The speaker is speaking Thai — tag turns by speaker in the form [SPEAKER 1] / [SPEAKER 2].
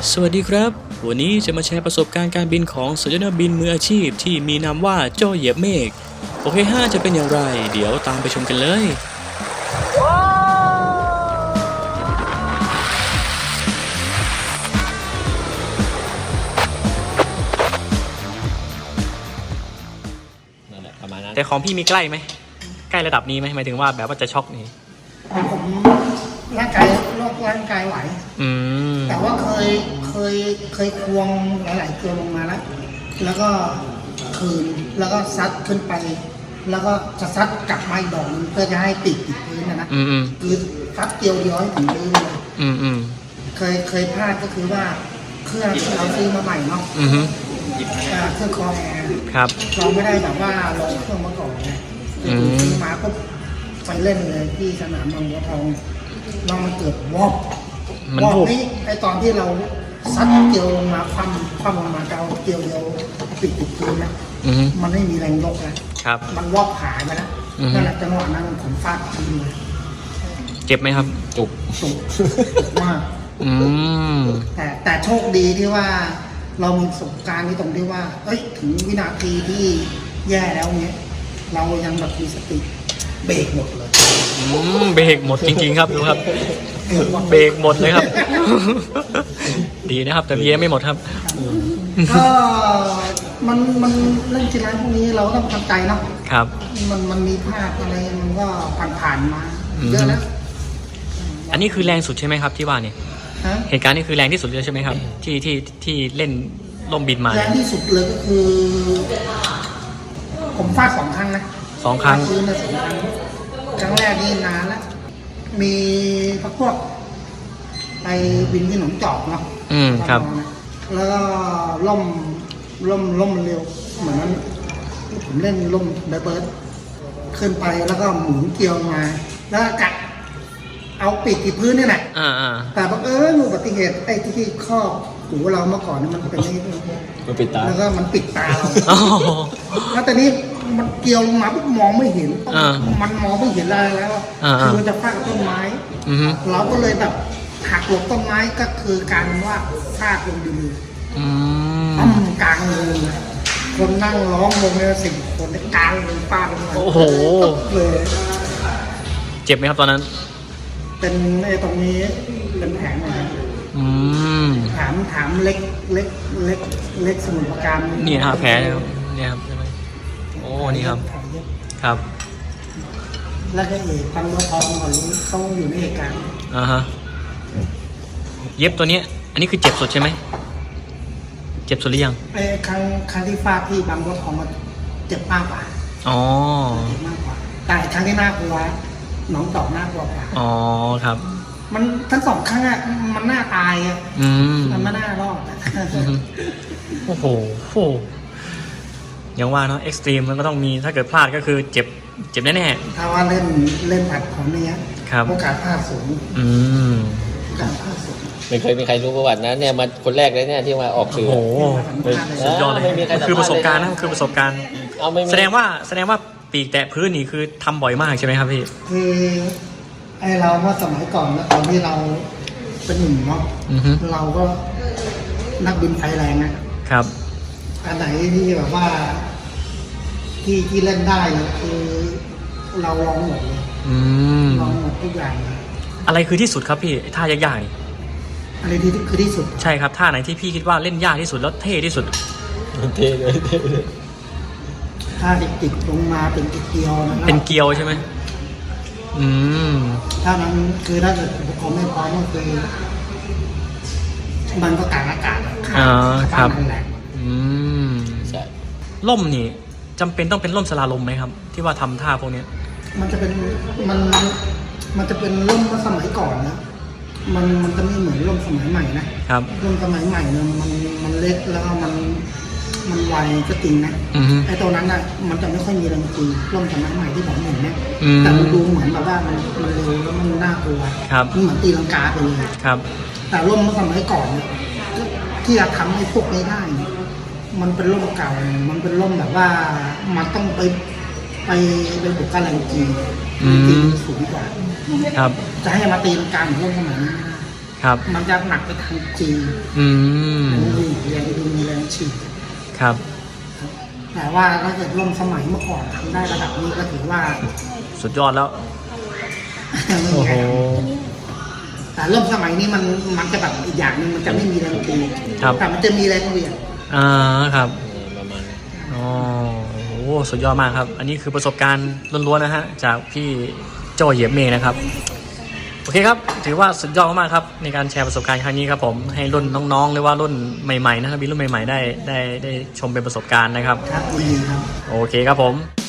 [SPEAKER 1] สวัสดีครับวันนี้จะมาแชร์ประสบการณ์การบินของสุดยอดนักบินมืออาชีพที่มีนามว่าโจเหยียบเมฆโอเค5จะเป็นอย่างไรเดี๋ยวตามไปชมกันเลย
[SPEAKER 2] นั่นแหละประมาณนั้น
[SPEAKER 1] แต่ของพี่มีใกล้ไหมใกล้ระดับนี้ไหมหมายถึงว่าแบบว่าจะช็อกนี่
[SPEAKER 3] ผมร่างกายไหวแต่ว่าเคยควงหลายๆตัวลงมาแล้วก็คืนแล้วก็ซัดขึ้นไปแล้วก็จะซัดกลับมาอีกดอกนึงเพื่อจะให้ติดพื้นนะคือซัดเกี่ยวย้อยถึงพื้นเลยเคยพลาดก็คือว่าเครื่องเราซื้อมาใหม่เนาะเครื่องคอแอร์เราไม่ได้แบบว่าลองเครื่องมาก่อนไงซื้อมาปุ๊บไปเล่นเลยที่สนามบางบัวทองเรามันเกิดวอบนี่ไอตอนที่เราซัดเกี่ยวลงมาความลงมาเกาเกี่ยวเดียวติดพื้นนะมันไม่มีแรงยกนะมันวอบหายไปแล้วนั่นแหละจังหวะนั้นผมฟาดทีเลย
[SPEAKER 1] เจ็บไหมครับ
[SPEAKER 3] จุกมากแต่โชคดีที่ว่าเรามีประสบการณ์ที่ตรงที่ว่าถึงวินาทีที่แย่แล้วเนี้ยเรายังแบบมีสติเบรกหมดเลย
[SPEAKER 1] เบรกหมดจริงๆครับดูครับเบรกหมดเลยครับดีนะครับแต่เพียไม่หมดครับ
[SPEAKER 3] ก็มันเรื่องกีฬาพวกนี้เราต้องทำใจเนาะ
[SPEAKER 1] ครับ
[SPEAKER 3] มันมีพลาดอะไรมันก็ผ่านมาเยอะแล้ว
[SPEAKER 1] อันนี้คือแรงสุดใช่ไหมครับที่ว่าเนี่ยเหตุการณ์นี้คือแรงที่สุดเลยใช่ไหมครับที่เล่นล่มบินมา
[SPEAKER 3] แรงที่สุดเลยก็คือผมฟาด2 ครั้งนะ
[SPEAKER 1] 2 ครั้ง
[SPEAKER 3] พื้นนะ2 ครั้งแรกนี่นานแล้วมีพวกไปบินที่หนองจอกเนาะ
[SPEAKER 1] ครับ
[SPEAKER 3] แล้วก็ล่มเร็วเหมือนนั้นผมเล่นล่มไดเบิร์ดขึ้นไปแล้วก็หมุนเกลียวมาแล้วกัดเอาปีกที่พื้นนี่แหละแต่บังเอิญอุบัติเหตุไอ้ที่ครอบหูเราเมื่อก่อนนี่มันเป็นนี่
[SPEAKER 2] มันปิดตา
[SPEAKER 3] แล้วก็มันปิดตาเราแล้วแต่นี้มันเกี่ยวลงมาปุ๊บมองไม่เห็นมันมองไม่เห็นอะไรแล้วคือมันจะฟาดต้นไม้เราก็เลยแบบหักหลบต้นไม้ก็คือการว่าฟาดลงดินกลางเลยคนนั่งร้องลงเลย10 คนกลางเลยฟาดลงมา
[SPEAKER 1] โอ้โห
[SPEAKER 3] เลย
[SPEAKER 1] เจ็บไหมครับตอนนั้น
[SPEAKER 3] เป็นไอ้ตรงนี้เป็นแผลหน่อยถามเล็กสมุนประการ
[SPEAKER 1] นี่ครับแผลเนี่ยครับโอ้นี่ครับครับ
[SPEAKER 3] แล้วก็ทางบัวทองเขาอยู่ในเหตุการณ์
[SPEAKER 1] เย็บตัวนี้อันนี้คือเจ็บสุดใช่ไหมเจ็บสุดหรือยัง
[SPEAKER 3] ไอ้ครั้งที่ฟาดที่บางบัวทองมันเจ็บมากกว่าเจ็บมากกว่าแต่ครั้งที่น่ากลัวน้องตอกน่ากลัวกว่า
[SPEAKER 1] ครับ
[SPEAKER 3] มันทั้ง2 ครั้งอ่ะมันน่าตายอ่ะมันไม่น่ารอด
[SPEAKER 1] โอ้โหอย่างว่าเนาะเอ็กซ์ตรีมมันก็ต้องมีถ้าเกิดพลาดก็คือเจ็บแน่
[SPEAKER 3] ๆถ้าว่าเล่นผัดของเนี้ยโอกาสพลาดสูงโอกาสพลาดสูง
[SPEAKER 2] ไม่เคยมีใครรู้ประวัตินะเนี่ยมาคนแรกเลยเนี่ยที่มาออกสื่อ
[SPEAKER 1] โอ้โหสุดยอดเลยคือประสบการณ์นะคือประสบการณ์แสดงว่าปีกแตะพื้นนี่คือทำบ่อยมากใช่ไหมครับพี่
[SPEAKER 3] คือไอเราเมื่อสมัยก่อนนะตอนที่เราเป็นหนุ่มเนาะเราก็นักบินไฟแรง
[SPEAKER 1] นะครับ
[SPEAKER 3] อันไหนที่แบบว่าที่เล่นได้เนี่ยคือเราลองหมดเลยลองหมดทุกอย่าง
[SPEAKER 1] อะไรคือที่สุดครับพี่ท่ายากๆ
[SPEAKER 3] อะไรที่คือที่สุด
[SPEAKER 1] ใช่ครับท่าไหนที่พี่คิดว่าเล่นยากที่สุดแล้วเท่ที่สุด
[SPEAKER 2] เท่เลย
[SPEAKER 3] ถ้าติดลงมาเป็นเกลียวนะ
[SPEAKER 1] เป็นเกลียวใช่ไหม
[SPEAKER 3] ถ้านั้นคือถ้าเกิดอุปกรณ์ไม่พร้อมก็คือมันก็กลางอากาศ
[SPEAKER 1] ครับล่มนี่จำเป็นต้องเป็นล่มสลาลมไหมครับที่ว่าทำท่าพวกนี้
[SPEAKER 3] มันจะเป็นล่มสมัยก่อนนะมันจะไม่เหมือนล่มสมัยใหม่นะครับล่มสมัยใหม่เนี่ยมันเล็กแล้วมันไวก็จริงนะไอ้ตัวนั้นน่ะมันจะไม่ค่อยมีแรงตีร่มสมัยใหม่ที่ผมเห็นเนี่ยแต่มันดูเหมือนแบบว่ามันเร็วแล้วมันน่ากลัวมันเหมือนตีลังกาไปเลยแต่ร่มสมัยก่อนที่จะทำให้พวกนี้ได้มันเป็นร่มเก่ามันเป็นร่มแบบว่ามันต้องไปบุกการแรงตีสูงกว่าจะให้มาตีลังกาเหมือนร่มสมัยนี้
[SPEAKER 1] ครับ
[SPEAKER 3] มันจะหนักไปทางจีน
[SPEAKER 1] อืม
[SPEAKER 3] แรงดึงแรงฉีด
[SPEAKER 1] ครับ
[SPEAKER 3] แต่ว่าถ้าเกิดร่วมสมัยเมื่อก่อนทำได้ระดับนี้ก็ถือว่า
[SPEAKER 1] สุดยอดแล้ว
[SPEAKER 3] ไม่มี
[SPEAKER 1] โอ้
[SPEAKER 3] ใค
[SPEAKER 1] โห
[SPEAKER 3] รแต่ร่วมสมัยนี้มันจะแบบอีกอย่างหนึงมันจะไม่มีแรงตี
[SPEAKER 1] ครับ
[SPEAKER 3] แต่มันจะมีแรงเหวี่ยง
[SPEAKER 1] ครับ
[SPEAKER 2] ประมาณนั้น
[SPEAKER 1] อ๋อโอ้โหสุดยอดมากครับ อันนี้คือประสบการณ์ล้วนๆนะฮะจากพี่โจเหยียบเมฆนะครับ โอเคครับ ถือว่าสุดยอดมากๆครับในการแชร์ประสบการณ์ครั้งนี้ครับผมให้รุ่นน้องๆหรือว่ารุ่นใหม่ๆนะครับมีรุ่นใหม่ๆได้ชมเป็นประสบการณ์นะครับ
[SPEAKER 3] ครับดีครับ
[SPEAKER 1] โอเคครับผม